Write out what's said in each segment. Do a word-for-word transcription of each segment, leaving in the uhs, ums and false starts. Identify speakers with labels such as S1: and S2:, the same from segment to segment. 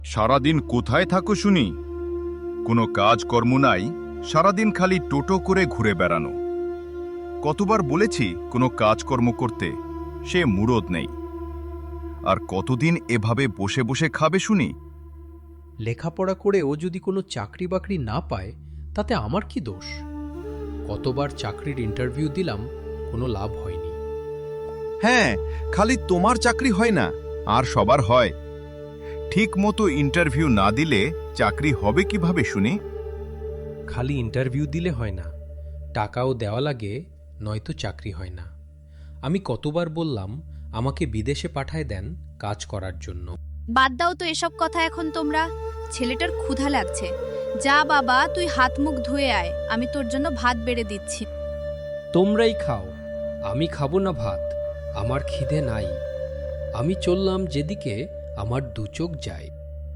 S1: সারাদিন কোথায় থাকো শুনি? কোনো কাজকর্ম নাই, সারাদিন খালি টোটো করে ঘুরে বেড়ানো। কতবার বলেছি কোনো কাজকর্ম করতে, সে মুরদ নেই। আর কতদিন এভাবে বসে বসে খাবে শুনি?
S2: লেখাপড়া করেও যদি কোনো চাকরি বাকরি না পায় তাতে আমার কি দোষ? কতবার চাকরির ইন্টারভিউ দিলাম, কোনো লাভ হয়নি।
S1: হ্যাঁ, খালি তোমার চাকরি হয় না, আর সবার হয়। ঠিক মতো ইন্টারভিউ না দিলে চাকরি হবে কিভাবে শুনি?
S2: খালি ইন্টারভিউ দিলে হয় না, টাকাও দেওয়া লাগে, নয়তো চাকরি হয় না। আমি কতবার বললাম আমাকে বিদেশে পাঠায় দেন কাজ করার জন্য।
S3: বাদ দাও তো এসব কথা এখন তোমরা। ছেলেটার ক্ষুধা লাগছে। যা বাবা, তুই হাত মুখ ধুয়ে আয়, আমি তোর জন্য ভাত বেড়ে দিচ্ছি।
S2: তোমরাই খাও, আমি খাবো না ভাত, আমার খিদে নাই। আমি চললাম যেদিকে আমার দু চোখ যায়।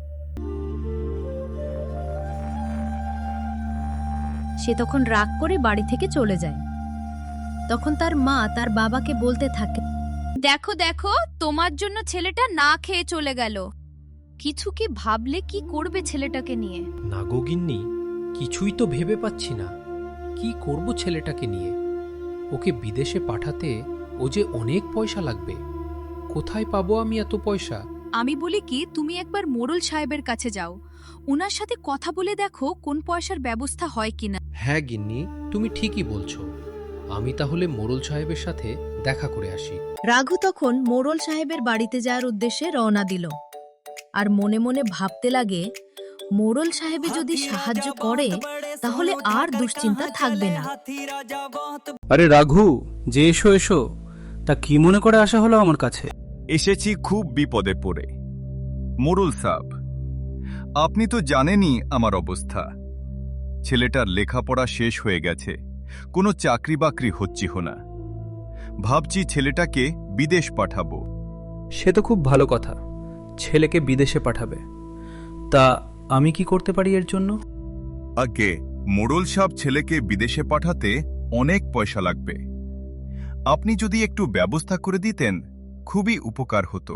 S3: সে তখন রাগ করে বাড়ি থেকে চলে যায়। তখন তার মা তার বাবাকে বলতে থাকে, দেখো দেখো, তোমার জন্য ছেলেটা না খেয়ে চলে গেল। কিছু কি ভাবলে কি করবে ছেলেটাকে নিয়ে?
S2: নাগগিন্নি, কিছুই তো ভেবে পাচ্ছি না। কি করব ছেলেটাকে নিয়ে? ওকে বিদেশে পাঠাতে ও যে অনেক পয়সা লাগবে। কোথায় পাবো আমি এত পয়সা?
S3: আমি বলি কি, তুমি একবার মোড়ল সাহেবের কাছে যাও, ওনার সাথে কথা বলে দেখো কোন পয়সার ব্যবস্থা হয় কিনা।
S2: হ্যাঁ গিন্নি, তুমি ঠিকই বলছো। আমি তাহলে মোড়ল সাহেবের সাথে দেখা করে আসি।
S4: রাঘু তখন মোড়ল সাহেবের বাড়িতে যাওয়ার উদ্দেশ্যে রওনা দিল। আর মনে মনে ভাবতে লাগে, মোড়ল সাহেবে যদি সাহায্য করে তাহলে আর দুশ্চিন্তা থাকবে না।
S5: আরে রাঘু, যে এসো এসো, তা কি মনে করে আসা হলো আমার কাছে?
S1: এসেছি খুব বিপদে পড়ে। মোড়ল সাহেব, আপনি তো জানেনই আমার অবস্থা। ছেলেটার লেখাপড়া শেষ হয়ে গেছে, কোনো চাকরি বাকরি হচ্ছি না। ভাবছি ছেলেটাকে বিদেশ পাঠাবো।
S5: সে তো খুব ভালো কথা, ছেলেকে বিদেশে পাঠাবে। তা আমি কি করতে পারি এর জন্য?
S1: আগে মোড়ল সাহেব, ছেলেকে বিদেশে পাঠাতে অনেক পয়সা লাগবে। আপনি যদি একটু ব্যবস্থা করে দিতেন খুবই উপকার হতো।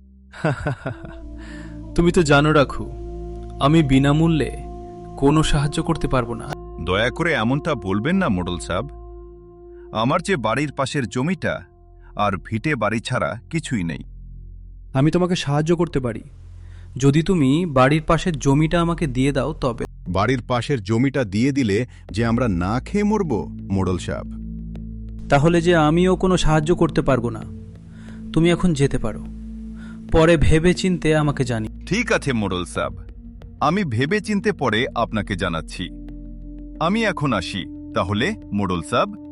S5: তুমি তো জানো রাঘু, আমি বিনামূল্যে কোনো সাহায্য করতে পারবো না।
S1: দয়া করে এমনটা বলবেন না মোড়ল সাহেব। আমার যে বাড়ির পাশের জমিটা আর ভিটে বাড়ি ছাড়া কিছুই নেই।
S5: আমি তোমাকে সাহায্য করতে পারি যদি তুমি বাড়ির পাশের জমিটা আমাকে দিয়ে দাও তবে।
S1: বাড়ির পাশের জমিটা দিয়ে দিলে যে আমরা না খেয়ে মরব মোড়ল সাহেব?
S5: তাহলে যে আমিও কোনো সাহায্য করতে পারবো না। তুমি এখন যেতে পারো, পরে ভেবে চিনতে আমাকে জানি।
S1: ঠিক আছে মোড়ল সাহেব, আমি ভেবে চিনতে পরে আপনাকে জানাচ্ছি। আমি এখন আসি তাহলে মোড়ল সাহেব।